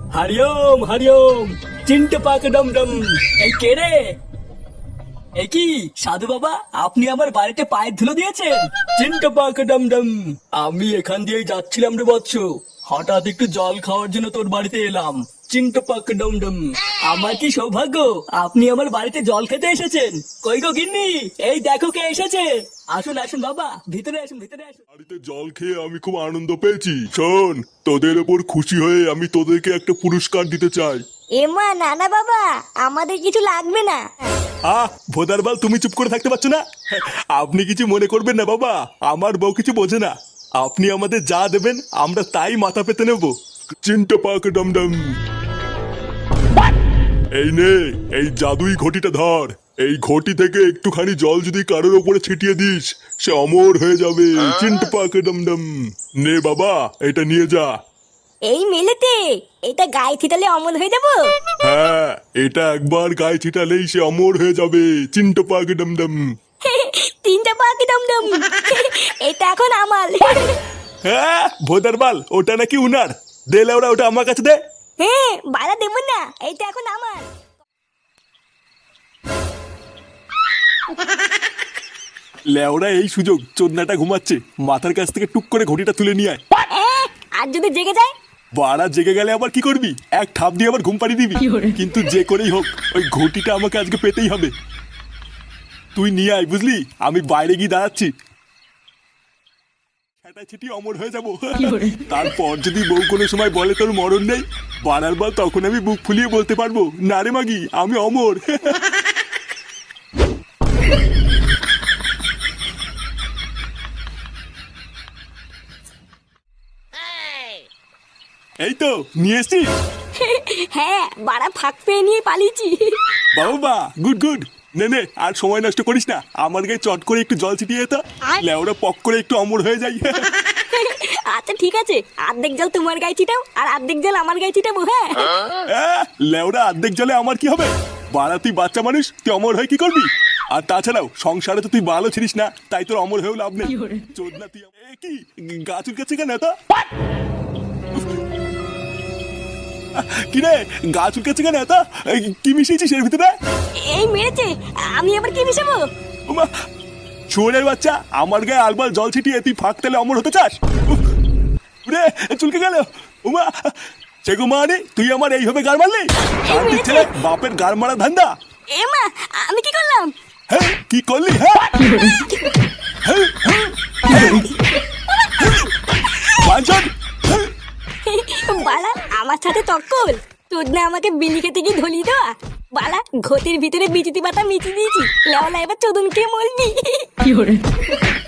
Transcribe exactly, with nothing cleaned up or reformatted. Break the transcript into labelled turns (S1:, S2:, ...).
S1: হরিওম হরিওম। চিন্টে পাক ডম ডম। এই কে রে? এ কি সাধু বাবা, আপনি আমার বাড়িতে পায়ের ধুলো দিয়েছেন? চিন্টে পাক ডম ডম। আমি এখান দিয়েই যাচ্ছিলাম রে বৎস, হঠাৎ একটু জল খাওয়ার জন্য তোর বাড়িতে এলাম। চিন্টে পাক ডম ডম। আমার কি সৌভাগ্য, আপনি আমার বাড়িতে জল খেতে এসেছেন। কই গো গিন্নি, এই দেখো কে এসেছে। আসুন আসুন বাবা, ভিতরে আসুন ভিতরে আসুন।
S2: বাড়িতে জল খেয়ে আমি খুব আনন্দ পেয়েছি। শোন, তোদের ওপর খুশি হয়ে আমি তোদেরকে একটা পুরস্কার দিতে চাই।
S3: এমা না না বাবা, আমাদের কিছু লাগবে না।
S2: আহ ভোদারবাল, তুমি চুপ করে থাকতে পারছো না? আপনি কিছু মনে করবেন না বাবা, আমার বউ কিছু বোঝে না। আপনি আমাদের যা দেবেন আমরা তাই মাথা পেতে নেব। চিন্তা পাক ডমডম। এই নে, এই জাদুই ঘটিটা ধর। এই ঘটি থেকে একটুখানি জল যদি কারোর ওপরে ছিটিয়ে দিস, সে অমর হয়ে যাবে। চিন্তা পাক ডমডম। নে বাবা, এটা নিয়ে যা।
S3: এই মেলেতে এটা গায়ে ছিটালে অমর হয়ে যাবো?
S2: হ্যাঁ, এটা একবার গায়ে ছিটালেই সে অমর হয়ে যাবে। চিন্তা পাক ডমডম।
S3: তিনটা পাখি দমদম। এটা এখন আমার।
S2: হ্যাঁ ভোদারবাল, ওটা নাকি উনার। দে লেওরা, ওটা আমার কাছে দে।
S3: হ্যাঁ বাড়া দেবো না, এটা এখন আমার।
S2: লেওরা এই সুযোগ, চোদনাটা ঘুমাচ্ছে, মাথার কাছ থেকে টুক করে ঘটিটা তুলে নিয়ে আয়।
S3: এ, আর যদি জেগে যায়?
S2: বাড়া জেগে গেলে আবার কি করবি? এক ঠাপ দিয়ে আবার ঘুম পাড়িয়ে দিবি। কিন্তু যে করেই হোক ওই ঘটিটা আমাকে আজকে পেতেই হবে। তুই নিয়ে আয়, বুঝলি? আমি বাইরে গিয়ে দাঁড়াচ্ছি। ছিটি অমর হয়ে যাবো। তারপর যদি বউ কোনো সময় বলে তোর মরণ নেই, বাড়ার বার তখন আমি বুক ফুলিয়ে বলতে পারবো, না রে মাগি, আমি অমর। এই তো নিয়ে এসছি।
S3: হ্যাঁ বাড়া ফাঁক পেয়ে নিয়ে পালিয়েছি।
S2: বাবা গুড গুড। নে নে, আর সময় নষ্ট করিস না, আমার গায়ে চট করে একটু জল ছিটিয়ে যেত, লেওরা পক করে একটু অমর হয়ে যাই।
S3: আচ্ছা ঠিক আছে, অর্ধেক জল তোমার গায়ে ছিটাও আর অর্ধেক জল আমার গায়ে ছিটাবো। হ্যাঁ
S2: আহ, লেওরা অর্ধেক জলে আমার কি হবে? বাড়া তুই বাচ্চা মানুষ, তুই অমর হয়ে কি করবি? আর তাছাড়াও সংসারে তো তুই ভালো ছিলিস না, তাই তোর অমর হয়েও লাভ নেই। চোদনা তুই। এ কি গা চুলকাচ্ছে কেন এত? কি রে, গা চুলকাচ্ছে কেন এত? এই, কি মিশিয়েছিস এর ভিতরে?
S3: এই মেরেছে, আমি আবার কি মিশাবো?
S2: ওমা, শুয়োরের বাচ্চা, আমার গায়ে আলবাল জল ছিটিয়ে তুই ফাঁক তেলে অমর হতে চাস? উফ, রে চুলকে গেল। উমা, সেগো মানে তুই আমার এইভাবে গার মারলি? আর দিচ্ছে বাপের গার মারা ধান্দা।
S3: এ মা, আমি কি করলাম?
S2: হ্যাঁ কি করলি? হ্যাঁ হ্যাঁ, হ্যাঁ, হ্যাঁ, বাঞ্চন, হ্যাঁ।
S3: বালা আমার সাথে তক্কল, তোর না আমাকে বিলি খেতে গিয়ে ধলি দেওয়া। বালা ঘটির ভিতরে বিচিতি পাতা মিচি দিয়েছি, লেওলা এবার চোদন খেয়ে মরবি।